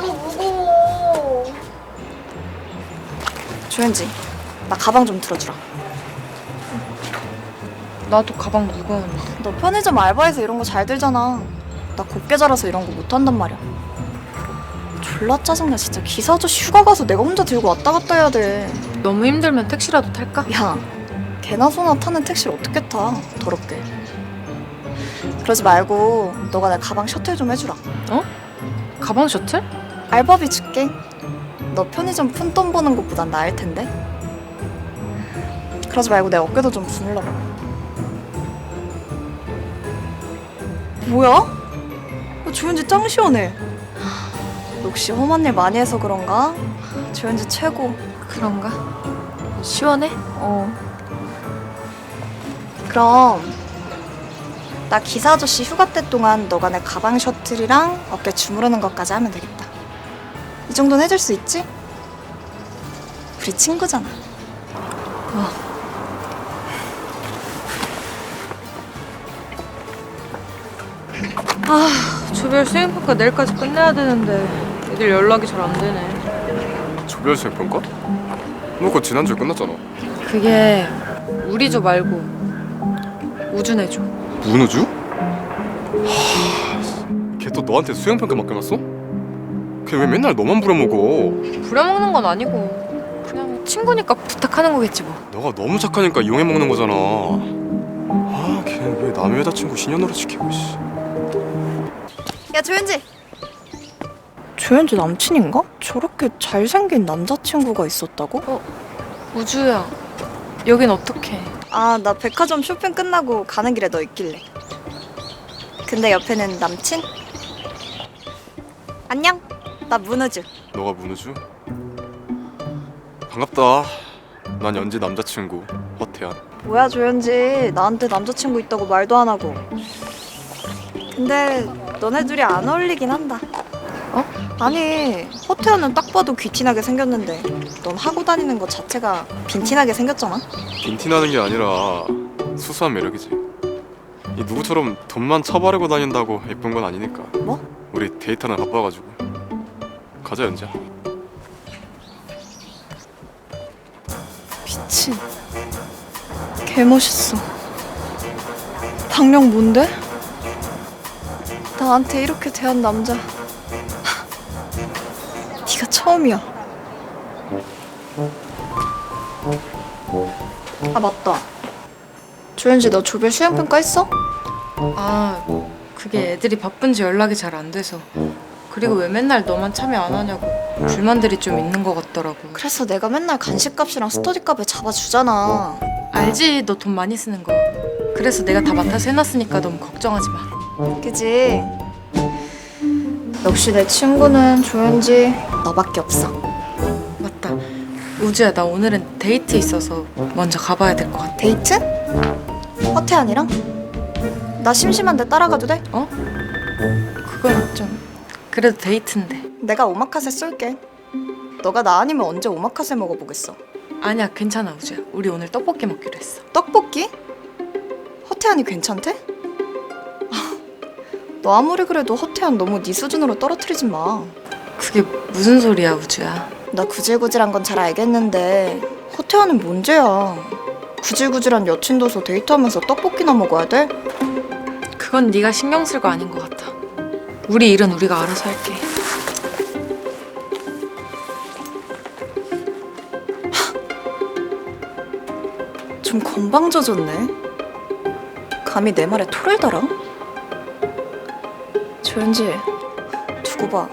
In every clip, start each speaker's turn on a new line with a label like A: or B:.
A: 무거워. 조현지, 나 가방 좀 들어주라.
B: 나도 가방 무거운데.
A: 너 편의점 알바해서 이런 거 잘 들잖아. 나 곱게 자라서 이런 거 못한단 말이야. 졸라 짜증나 진짜. 기사 아저씨 휴가 가서 내가 혼자 들고 왔다 갔다 해야 돼.
B: 너무 힘들면 택시라도 탈까?
A: 야, 개나 소나 타는 택시를 어떻게 타, 더럽게. 그러지 말고 너가 내 가방 셔틀 좀 해주라.
B: 어? 가방 셔틀?
A: 알바비 줄게. 너 편의점 푼돈 버는 것보단 나을 텐데. 그러지 말고 내 어깨도 좀 부물러봐. 뭐야? 조현지 짱 시원해. 역시 험한 일 많이 해서 그런가? 조현지 최고.
B: 그런가? 시원해?
A: 그럼 나 기사 아저씨 휴가 때 동안 너가 내 가방 셔틀이랑 어깨 주무르는 것까지 하면 되겠다. 이 정도는 해줄 수 있지? 우리 친구잖아.
B: 조별 수행평가 내일까지 끝내야 되는데 애들 연락이 잘 안 되네.
C: 조별 수행평가? 너 그거 지난주에 끝났잖아.
B: 그게 우리 조 말고 우준의 조.
C: 문우주? 걔 또 너한테 수행평가 맡겨놨어? 걔 왜 맨날 너만 부려먹어?
B: 부려먹는 건 아니고 그냥 친구니까 부탁하는 거겠지 뭐.
C: 너가 너무 착하니까 이용해먹는 거잖아. 아, 걔는 왜 남의 여자친구 신현으로 시키고 씨.
A: 야 조현지. 조현지 남친인가? 저렇게 잘생긴 남자친구가 있었다고?
B: 우주야, 여긴 어떡해?
A: 아, 나 백화점 쇼핑 끝나고 가는 길에 너 있길래. 근데 옆에는 남친? 안녕, 나 문우주.
C: 너가 문우주? 반갑다. 난 연지 남자친구 허태한.
A: 뭐야 조현지, 나한테 남자친구 있다고 말도 안 하고. 근데 너네 둘이 안 어울리긴 한다.
B: 어?
A: 아니, 허태현은 딱 봐도 귀티나게 생겼는데 넌 하고 다니는 것 자체가 빈티나게 생겼잖아.
C: 빈티나는 게 아니라 수수한 매력이지. 이 누구처럼 돈만 처바르고 다닌다고 예쁜 건 아니니까.
A: 뭐?
C: 우리 데이트는 바빠가지고. 가자 연지야.
A: 미친. 개멋있어. 박력 뭔데? 나한테 이렇게 대한 남자 네가 처음이야. 아 맞다. 조현지 너 조별 수행평가 했어?
B: 아, 그게 애들이 바쁜지 연락이 잘 안 돼서. 그리고 왜 맨날 너만 참여 안 하냐고 불만들이 좀 있는 것 같더라고.
A: 그래서 내가 맨날 간식값이랑 스터디값을 잡아주잖아.
B: 알지, 너 돈 많이 쓰는 거. 그래서 내가 다 맡아서 해놨으니까 너무 걱정하지 마.
A: 그지? 역시 내 친구는 조현지 너밖에 없어.
B: 맞다, 우주야, 나 오늘은 데이트 있어서 먼저 가봐야 될 것 같아.
A: 데이트? 허태한이랑? 나 심심한데 따라가도 돼?
B: 그건 좀 그래도 데이트인데.
A: 내가 오마카세 쏠게. 너가 나 아니면 언제 오마카세 먹어보겠어.
B: 아니야, 괜찮아 우주야, 우리 오늘 떡볶이 먹기로 했어.
A: 떡볶이? 허태한이 괜찮대? 너 아무리 그래도 허태한 너무 네 수준으로 떨어뜨리지 마.
B: 그게 무슨 소리야 우주야.
A: 나 구질구질한 건 잘 알겠는데 허태한은 뭔 죄야. 구질구질한 여친 둬서 데이트하면서 떡볶이나 먹어야 돼?
B: 그건 네가 신경 쓸 거 아닌 것 같아. 우리 일은 우리가 알아서 할게.
A: 좀 건방져졌네. 감히 내 말에 토를 달아? 조현지, 두고 봐.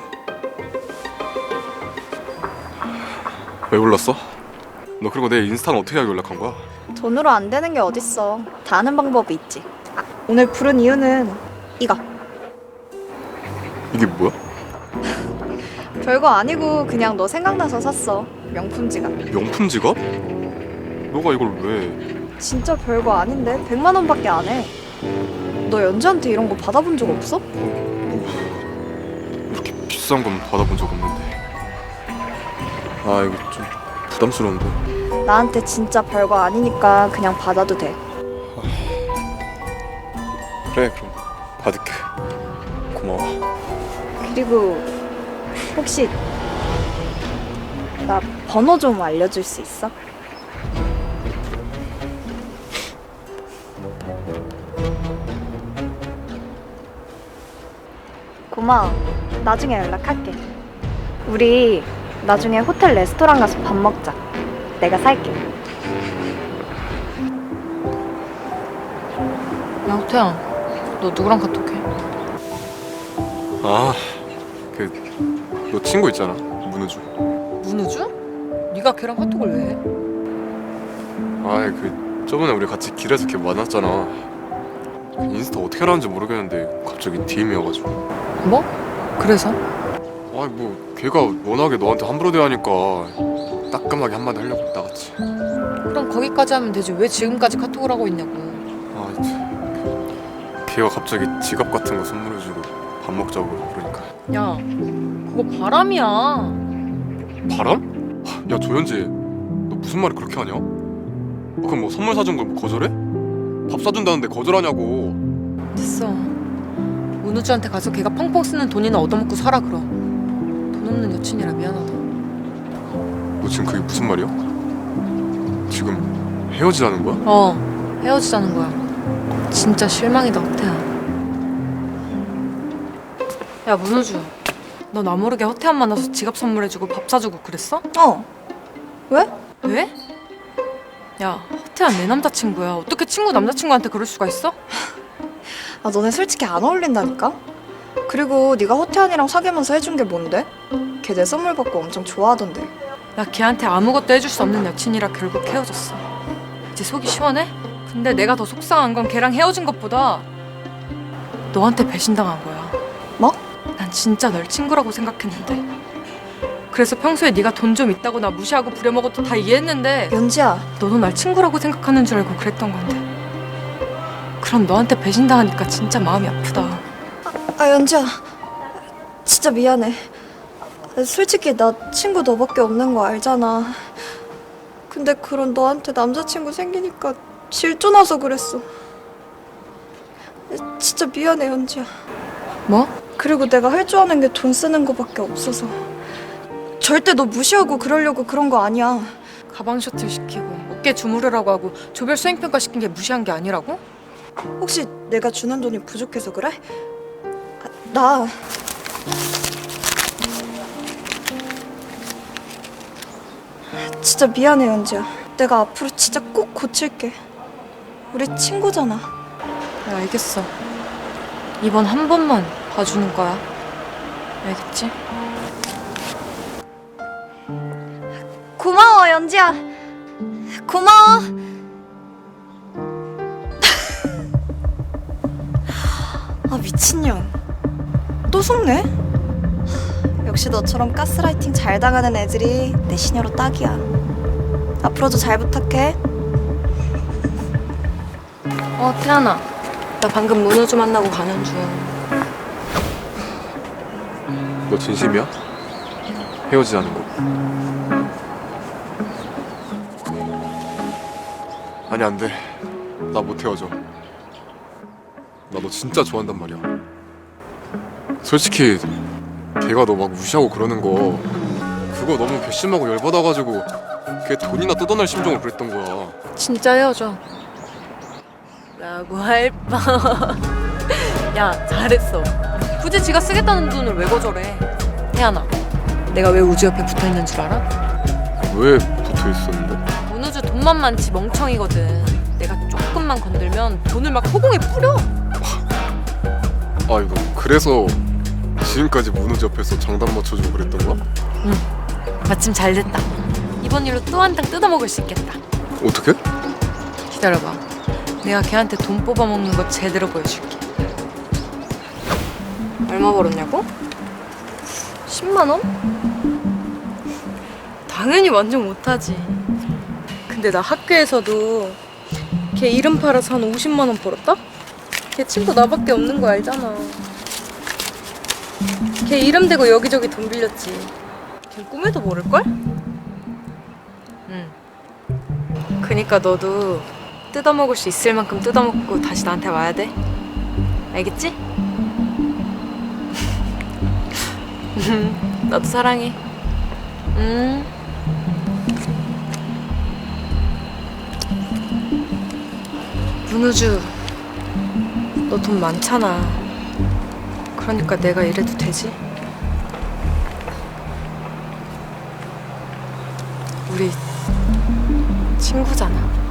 C: 왜 불렀어? 너 그리고 내 인스타는 어떻게 하고 연락한 거야?
A: 돈으로 안 되는 게 어딨어. 다 아는 방법이 있지. 아, 오늘 부른 이유는 이거.
C: 이게 뭐야?
A: 별거 아니고 그냥 너 생각나서 샀어. 명품 지갑.
C: 명품 지갑? 너가 이걸 왜?
A: 진짜 별거 아닌데 100만 원밖에 안 해. 너 연지한테 이런 거 받아본 적 없어?
C: 이렇게 비싼 건 받아본 적 없는데. 아, 이거 좀 부담스러운데.
A: 나한테 진짜 별거 아니니까 그냥 받아도 돼.
C: 그래, 그럼 받을게. 고마워.
A: 그리고 혹시 나 번호 좀 알려줄 수 있어? 고마워. 나중에 연락할게. 우리 나중에 호텔 레스토랑 가서 밥 먹자. 내가 살게.
B: 야 호태야, 너 누구랑 카톡해?
C: 아, 너 친구 있잖아, 문우주.
B: 문우주? 네가 걔랑 카톡을 왜 해?
C: 저번에 우리 같이 길에서 걔 만났잖아. 인스타 어떻게 하라는지 모르겠는데 갑자기 DM이어가지고.
B: 뭐? 그래서?
C: 걔가 워낙에 너한테 함부로 대하니까 따끔하게 한마디 하려고 나갔지.
B: 그럼 거기까지 하면 되지. 왜 지금까지 카톡을 하고 있냐고.
C: 걔가 갑자기 지갑 같은 거 선물해주고 밥 먹자고 그러니까.
B: 야, 그거 바람이야.
C: 바람? 야 조현지, 너 무슨 말을 그렇게 하냐? 그럼 뭐 선물 사준 걸 뭐 거절해? 밥 사준다는데 거절하냐고.
B: 됐어. 문우주한테 가서 걔가 펑펑 쓰는 돈이나 얻어먹고 살아 그럼. 돈 없는 여친이라 미안하다.
C: 너 지금 그게 무슨 말이야? 지금 헤어지라는 거야?
B: 헤어지자는 거야. 진짜 실망이다 호태야. 야 문우주, 너 나 모르게 호태한 만나서 지갑 선물해주고 밥 사주고 그랬어?
A: 왜?
B: 왜? 야 호태야 내 남자친구야. 어떻게 친구 남자친구한테 그럴 수가 있어?
A: 너네 솔직히 안 어울린다니까? 그리고 네가 호태환이랑 사귀면서 해준 게 뭔데? 걔 내 선물 받고 엄청 좋아하던데.
B: 나 걔한테 아무것도 해줄 수 없는 여친이라 결국 헤어졌어. 이제 속이 시원해? 근데 내가 더 속상한 건 걔랑 헤어진 것보다 너한테 배신당한 거야.
A: 뭐?
B: 난 진짜 널 친구라고 생각했는데. 그래서 평소에 네가 돈 좀 있다고 나 무시하고 부려먹어도 다 이해했는데
A: 연지야.
B: 너도 날 친구라고 생각하는 줄 알고 그랬던 건데. 그럼 너한테 배신당하니까 진짜 마음이 아프다.
A: 연지야. 진짜 미안해. 솔직히 나 친구 너밖에 없는 거 알잖아. 근데 그런 너한테 남자친구 생기니까 질투나서 그랬어. 진짜 미안해 연지야.
B: 뭐?
A: 그리고 내가 할 줄 아는 게 돈 쓰는 거밖에 없어서. 절대 너 무시하고 그러려고 그런 거 아니야.
B: 가방 셔틀 시키고 어깨 주무르라고 하고 조별 수행평가 시킨 게 무시한 게 아니라고?
A: 혹시 내가 주는 돈이 부족해서 그래? 나 진짜 미안해 연지야. 내가 앞으로 진짜 꼭 고칠게. 우리 친구잖아.
B: 야, 알겠어. 이번 한 번만 봐주는 거야. 알겠지?
A: 고마워 연지야. 고마워. 미친년. 또 속네? 역시 너처럼 가스라이팅 잘 당하는 애들이 내 시녀로 딱이야. 앞으로도 잘 부탁해.
B: 태연아. 나 방금 문우주 만나고 가는 중.
C: 너 진심이야? 헤어지자는 거. 아니 안 돼. 나 못 헤어져. 나 너 진짜 좋아한단 말이야. 솔직히 걔가 너 막 무시하고 그러는 거 그거 너무 괘씸하고 열받아가지고 걔 돈이나 뜯어낼 심정으로 그랬던 거야.
B: 진짜 헤어져. 라고 할 뻔. 야, 잘했어. 굳이 지가 쓰겠다는 돈을 왜 거절해? 태연아, 내가 왜 우주 옆에 붙어있는 줄 알아?
C: 왜 붙어 있었는데?
B: 문우주 돈만 많지 멍청이거든. 내가 조금만 건들면 돈을 막 허공에 뿌려.
C: 이거 그래서 지금까지 문우주 옆에서 장단 맞춰주고 그랬던 거야?
B: 응, 마침 잘 됐다. 이번 일로 또 한 탕 뜯어먹을 수 있겠다.
C: 어떻게?
B: 기다려봐. 내가 걔한테 돈 뽑아먹는 거 제대로 보여줄게. 얼마 벌었냐고? 10만 원? 당연히 완전 못하지. 근데 나 학교에서도 걔 이름 팔아서 한 50만 원 벌었다? 걔 친구 나밖에 없는 거 알잖아. 걔 이름 대고 여기저기 돈 빌렸지. 걔 꿈에도 모를걸? 응. 그니까 너도 뜯어먹을 수 있을 만큼 뜯어먹고 다시 나한테 와야 돼. 알겠지? 나도 사랑해. 문우주, 너 돈 많잖아. 그러니까 내가 이래도 되지? 우리 친구잖아.